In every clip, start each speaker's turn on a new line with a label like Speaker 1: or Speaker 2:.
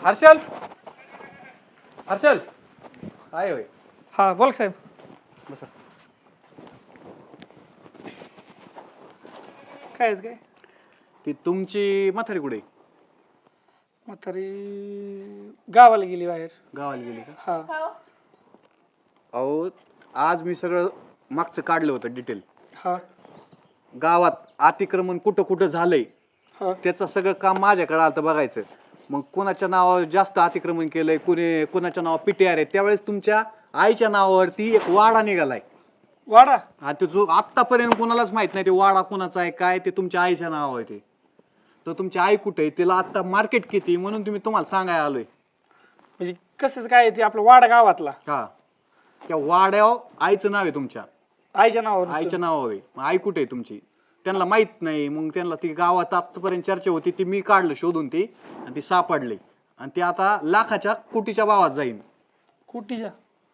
Speaker 1: हर्षल हर्षल काय होय
Speaker 2: हा बोल साहेब.
Speaker 1: बसा.
Speaker 2: काय
Speaker 1: ती तुमची म्हातारी कुठे
Speaker 2: म्हातारी गावाला गेली बाहेर.
Speaker 1: गावाला गेली का?
Speaker 2: हा
Speaker 1: अहो आज मी सगळं मागचं काढलं होतं डिटेल.
Speaker 2: हा
Speaker 1: गावात अतिक्रमण कुठं कुठं झालंय
Speaker 2: हा
Speaker 1: त्याचं सगळं काम माझ्याकडे आलं बघायचं. मग कोणाच्या नावावर जास्त अतिक्रमण केलंय, कोणाच्या नावावर पीटीआर आहे. त्यावेळेस तुमच्या आईच्या नावावरती एक वाडा निघालाय.
Speaker 2: वाडा
Speaker 1: हा तो जो आतापर्यंत कोणालाच माहित नाही ते वाडा कोणाचा आहे काय, ते तुमच्या आईच्या नावावर आहे. ते तर तुमची आई कुठे आहे, तिला आता मार्केट किती म्हणून तुम्हाला सांगायला आलोय.
Speaker 2: म्हणजे कसं काय ते आपलं वाडा गावातला
Speaker 1: हा त्या वाड्यावर आईचं नाव आहे तुमच्या
Speaker 2: आईच्या नावावर.
Speaker 1: आईच्या नावावर आहे. मग आई कुठे आहे तुमची त्यांना माहित नाही. मग त्यांना ती गावात आतापर्यंत चर्चा होती ती मी काढलं शोधून ती आणि ती सापडली आणि ती आता लाखाच्या कोटीच्या भावात जाईन.
Speaker 2: कुटीच्या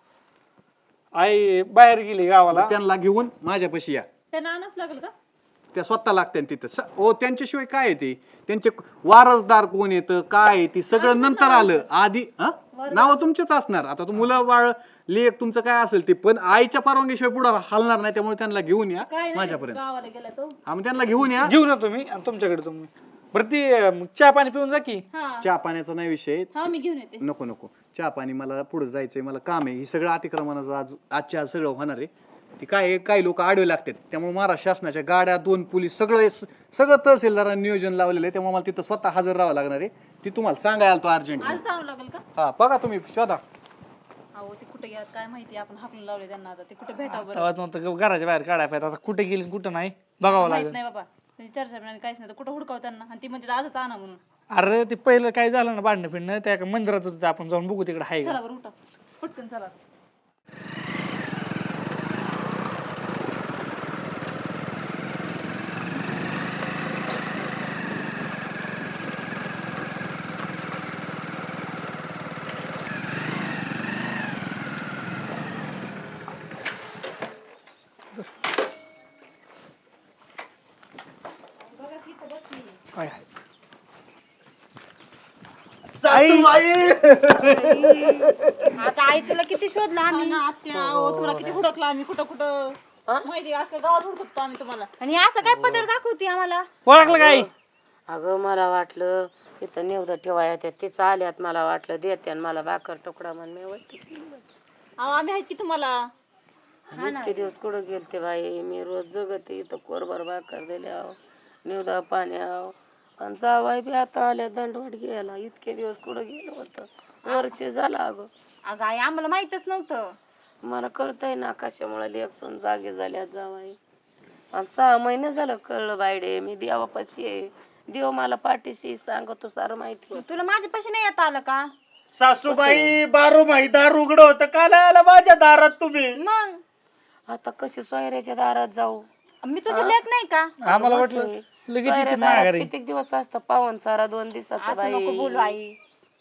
Speaker 2: आई बाहेर गेली गावाला.
Speaker 1: त्यांना घेऊन माझ्यापाशी या.
Speaker 3: त्यांना आणावंच लागेल का?
Speaker 1: त्या स्वतः लागते तिथं हो. त्यांच्याशिवाय काय आहे ते, त्यांचे वारसदार कोण येतं काय आहे ती सगळं नंतर आलं. आधी नाव तुमचेच असणार. आता तो मुलं बाळ लेख तुमचं काय असेल ते, पण आईच्या परवानगीशिवाय पुढे हलणार नाही. त्यामुळे त्यांना घेऊन या माझ्यापर्यंत.
Speaker 3: गावाला गेला तो.
Speaker 1: आम्ही त्यांना घेऊन या.
Speaker 2: घेऊन येतो मी आणि तुमच्याकडे तुम्ही बरं ती चहा पाणी पिऊन जा की.
Speaker 1: चहा पाण्याचा नाही विषय.
Speaker 3: हा मी घेऊन येते.
Speaker 1: नको नको चहा पाणी, मला पुढे जायचंय, मला काम आहे. ही सगळं अतिक्रमणाचं आजच्या आज सगळं होणार आहे. ती काय काही लोक आडवे लागतात. त्यामुळे महाराष्ट्र शासनाच्या गाड्या 2 पोलीस सगळं तहसीलदारांनी नियोजन लावलेलं आहे. त्यामुळे मला तिथं स्वतः हजर राहावं लागणार आहे. ती तुम्हाला सांगायला आलो अर्जंट.
Speaker 3: आज जावं लागेल का?
Speaker 1: हा बघा तुम्ही शोधा.
Speaker 3: अहो ते कुठे गेला काय माहिती, आपण हाकलून लावले त्यांना. आता ते कुठे भेटावं बरं?
Speaker 2: तेव्हा नव्हतं घराच्या बाहेर काढायला पाहिजे. आता कुठे गेली कुठं नाही बघावं
Speaker 3: माहित
Speaker 2: लागेल.
Speaker 3: नाही बाबा, त्यांची चर्चा नाही काहीच नाही. तर कुठं हुडकाव त्यांना? आणि ती म्हणते आजच आणा म्हणून.
Speaker 2: अरे ते पहिलं काय झालं ना भांडणं फिरणं त्या एका मंदिरात होतं, आपण जाऊन बघू तिकडे आहे का.
Speaker 3: चला बरं उठा पटकन चला.
Speaker 2: काय
Speaker 4: आता आई तुला किती शोधला आम्ही.
Speaker 3: आत्या तुला किती हुडकला आम्ही कुठं कुठं माहिती. अख्ख्या गावात हुडकतो आम्ही तुम्हाला.
Speaker 4: आणि असं काय पदर दाखवते आम्हाला.
Speaker 2: ओळखलं काय?
Speaker 5: अगं मला वाटलं इथं निवड ठेवाय तिचं आल्यात, मला वाटलं देते आणि मला भाकर तुकडा म्हण मी
Speaker 3: अहो आम्ही आहेत की तुम्हाला.
Speaker 5: इतके दिवस कुठं गेलते बाई मी. रोज जगते इथं कोरभर भाकर दिल्या निवदा पाण्याव आणि जावाय बी आता आल्या दंडवट घ्यायला. इतके दिवस कुठं गेलं होतं, वर्ष झालं.
Speaker 4: अगं आई आम्हाला माहितच नव्हतं.
Speaker 5: मला कळतंय ना कशामुळे लेखसून जागे झाल्यात जावाई. आणि 6 महिने झालं कळलं बायडे. मी देवापाशी आहे, देव मला पाठीशी सांगतो सारं माहिती.
Speaker 4: तुला माझ्यापाशी नाही येता आलं का?
Speaker 6: सासूबाई बारू माही दार उघड होतं का नाही आला माझ्या दारात तुम्ही?
Speaker 4: मग
Speaker 5: आता कशी सोयऱ्याच्या दारात जाऊ?
Speaker 4: मी तुझी लेक नाही का?
Speaker 2: आम्हाला वाटलं लगेच
Speaker 5: सोयऱ्या
Speaker 2: इच्छित
Speaker 5: दारात
Speaker 2: माघारी.
Speaker 5: किती दिवस असतं पावन सारा 2 दिवसाचा
Speaker 4: असं नको बोलू
Speaker 5: बाई.
Speaker 4: आई.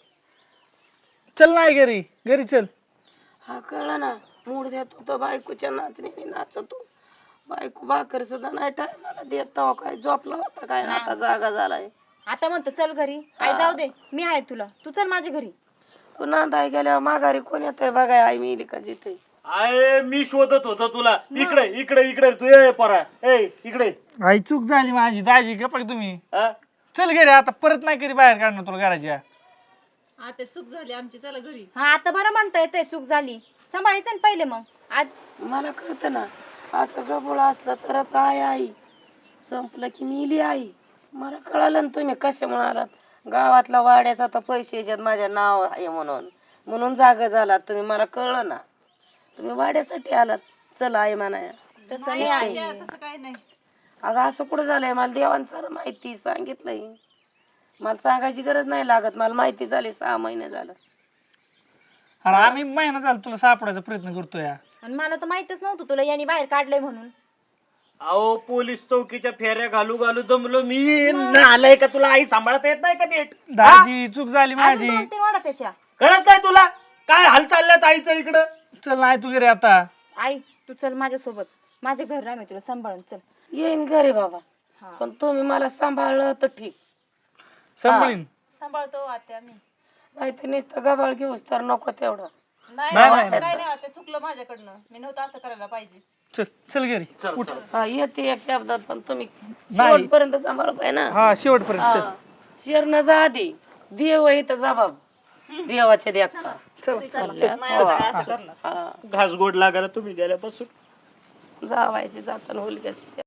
Speaker 2: चल नाही घरी चल.
Speaker 5: हा कळलं ना, मूड देतो तर बायकोच्या नाचणीने नाचतो. बायको भाकर सुद्धा नाही टायमाला देत. तेव्हा काय झोपला होता काय ना, आता जागा झालाय.
Speaker 4: आता म्हणतो चल घरी. आई जाऊ दे, मी आहे तुला. तू चल माझ्या घरी.
Speaker 5: तू नांदाय गेल्यावर माघारी कोण येतंय बघाय आई मिली का जिथे.
Speaker 6: आय मी शोधत होतो तुला. इकडे इकडे इकडे तू ये परा. ए इकडे.
Speaker 2: आई चूक झाली माझी. दाजी गप्पा तुम्ही.
Speaker 6: हा?
Speaker 2: चल घरी आता परत नाही कधी बाहेर काढणार तुला घराच्या.
Speaker 3: आता चूक झाली आमची, चला घरी.
Speaker 4: हा आता बरं म्हणता येते चूक झाली. सांभाळायचं ना पहिले. मग आज
Speaker 5: मला कळतं ना, असं गबोळ असलं तरच आहे आई. संपलं की मिली आई. मला कळालं ना तुम्ही कशामुळे आलात. गावातला वाड्याचा तर पैसे याच्यात माझ्या नाव आहे म्हणून जागा झालात तुम्ही. मला कळलं ना तुम्ही वाड्यासाठी आलात. चला आई म्हणाया.
Speaker 4: तसं नाही आई.
Speaker 3: तसं काय नाही.
Speaker 5: अगं असं कुठं झालंय, मला देवान सारं माहिती सांगितलंय. मला सांगायची गरज नाही लागत, मला माहिती झाली. 6 महिने झालं.
Speaker 2: अरे आम्ही महिना झाला तुला सापडायचा प्रयत्न करतोय.
Speaker 4: आणि मला तर माहितच नव्हतं तुला यांनी बाहेर काढलंय म्हणून.
Speaker 6: अहो पोलीस चौकीच्या फेऱ्या घालू घालू दमलो मी. आलंय का तुला आई सांभाळता येत नाही का नीट?
Speaker 2: दाजी चूक झाली माझी.
Speaker 4: 2-3 वाडा त्याच्या.
Speaker 6: कळत नाही तुला काय हाल चालल्यात आईचं इकडं?
Speaker 2: चल नाही तू घरी आता.
Speaker 4: आई तू चल माझ्यासोबत. माझ्या घर राह, मी तुला सांभाळून. चल
Speaker 5: येईन घरी बाबा, पण तुम्ही मला सांभाळलं तर ठीक.
Speaker 2: सांभाळीन.
Speaker 3: सांभाळतो आत्या मी.
Speaker 5: नाही तर नुसतं गबाळ घेऊस तर नको तेवढं.
Speaker 3: नाही
Speaker 2: नाही,
Speaker 3: नाही,
Speaker 2: नाही,
Speaker 3: असं काय नाही ते चुकलं माझ्याकडनं. मी नव्हतं असं करायला पाहिजे.
Speaker 2: चल चल घरी उठ.
Speaker 5: हा येते एक शब्दात पण तुम्ही
Speaker 2: नाही.
Speaker 5: शेवटपर्यंत सांभाळ पाहिजे ना.
Speaker 2: हा शेवटपर्यंत चल.
Speaker 5: शिरणं जा आधी देव इथं जबाब देवाचे देखता.
Speaker 3: नाही आता काय असं करणार.
Speaker 5: हा
Speaker 6: घास गोड लागायला तुम्ही गेल्यापासून
Speaker 5: जावायची जाताना होईल कशी